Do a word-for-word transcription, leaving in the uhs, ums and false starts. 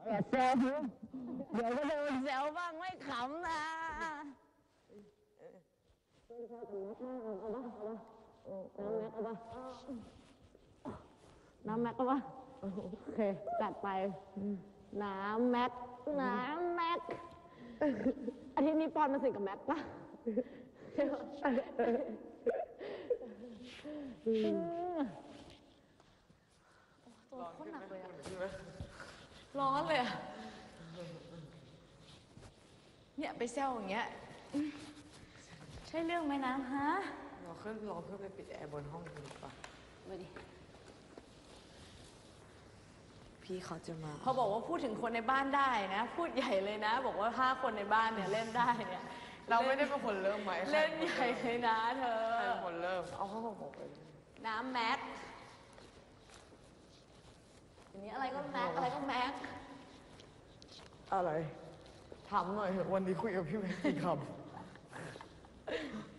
อย่าแซวเดี๋ยวก็โดนแซวบ้างไม่ขำนะน้ำแม็กเอาปะโอเคจัดไปน้ำแม็กน้ำแม็กอาทิตย์นี้ปอนมาสิกับแม็กปะตัวโคตรหนักเลยอะร้อนเลยอะเนี่ยไปแซวอย่างเงี้ยใช่เรื่องไหมน้ำฮะเราขึ้นเราขึ้นไปปิดแอร์บนห้องดีกว่าไปดิพี่เขาจะมาพอบอกว่าพูดถึงคนในบ้านได้นะพูดใหญ่เลยนะบอกว่าห้าคนในบ้านเนี่ยเล่นได้เนี่ยเราไม่ได้เป็นคนเริ่มไหมเล่นใหญ่เลยนะเธอใครเป็นคนเริ่มเอาเขาบอกไปน้ำแม็กอย่างนี้อะไรก็แม็กอะไรก็แม็กอะไรถามหน่อยเถอะวันนี้คุยกับพี่แม็กกี่คำ